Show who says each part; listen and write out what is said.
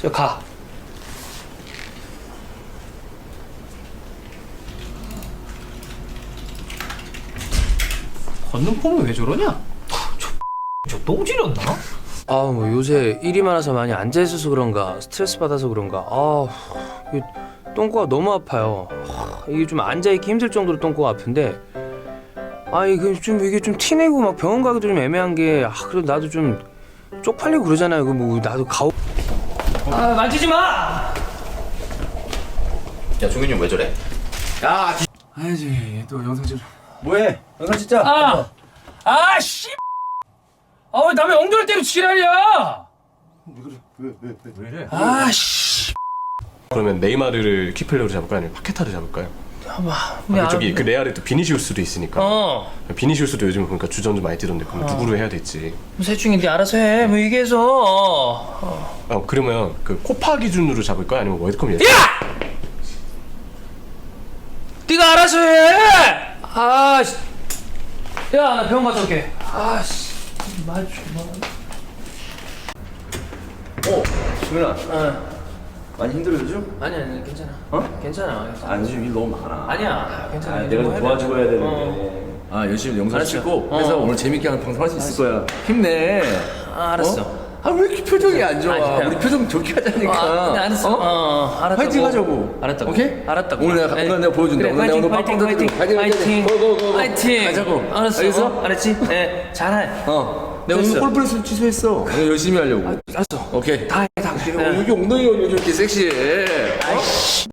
Speaker 1: 저 가. 걷는 폼이 왜 저러냐? 저 똥 지렸나?
Speaker 2: 아, 뭐 요새 일이 많아서 많이 앉아 있어서 그런가 스트레스 받아서 그런가 이 똥꼬가 너무 아파요. 이게 좀 앉아 있기 힘들 정도로 똥꼬가 아픈데 이게 좀 티내고 막 병원 가기도 좀 애매한 게 그래도 나도 좀 쪽팔리고 그러잖아요. 뭐 나도
Speaker 1: 만지지 마!
Speaker 3: 야 종현이 형 왜 저래?
Speaker 2: 아니지 또 영상 찍어.
Speaker 3: 뭐해? 영상 진짜.
Speaker 1: 씨! 왜 남의 엉덩이 때리고 지랄이야!
Speaker 3: 왜 이래?
Speaker 1: 씨!
Speaker 4: 그러면 네이마르를 키플레어로 잡을까요? 아니면 파케타를 잡을까요? 저기 그 레알에 또 비니시우스도 있으니까. 비니시우스도 요즘 보니까 주전 좀 많이 뛰던데 그럼 누구로 해야 될지.
Speaker 1: 셋 중에 네 알아서 해. 뭐 얘기해서.
Speaker 4: 그러면 그 코파 기준으로 잡을까요? 아니면 월드컵 예상?
Speaker 1: 네가 알아서 해! 야, 나 병원 갔다 올게. 말 좀.
Speaker 3: 종현아. 많이 힘들어 요즘?
Speaker 1: 아니, 괜찮아. 괜찮아.
Speaker 3: 아 요즘 일 너무 많아.
Speaker 1: 아니야, 괜찮아.
Speaker 3: 내가 좀 도와주고 해야 되는데. 열심히 영상 찍고 해서 오늘 재밌게 하는 방송 할 수 있을 거야. 힘내.
Speaker 1: 알았어.
Speaker 3: 왜 이렇게 표정이 안 좋아?
Speaker 1: 아니야.
Speaker 3: 우리 표정 좋게 하자니까.
Speaker 1: 네, 알았어. 알았다고.
Speaker 3: 파이팅 하자고.
Speaker 1: 알았다고.
Speaker 3: 오케이?
Speaker 1: 알았다고.
Speaker 3: 오늘 내가 보여준다.
Speaker 1: 그래,
Speaker 3: 오늘 내가 오늘
Speaker 1: 파이팅,
Speaker 3: 빵빵
Speaker 1: 파이팅,
Speaker 3: 터뜨리고
Speaker 1: 파이팅,
Speaker 3: 고고고고.
Speaker 1: 파이팅.
Speaker 3: 가자고.
Speaker 1: 알았어.
Speaker 3: 알겠어?
Speaker 1: 알았지? 네, 잘해.
Speaker 3: 내가 오늘
Speaker 1: 됐어.
Speaker 3: 골프레슨 취소했어. 오늘 열심히 하려고.
Speaker 1: 알았어.
Speaker 3: 오케이.
Speaker 1: 다 해, 다.
Speaker 3: 여기 엉덩이가 요즘 이렇게 섹시해.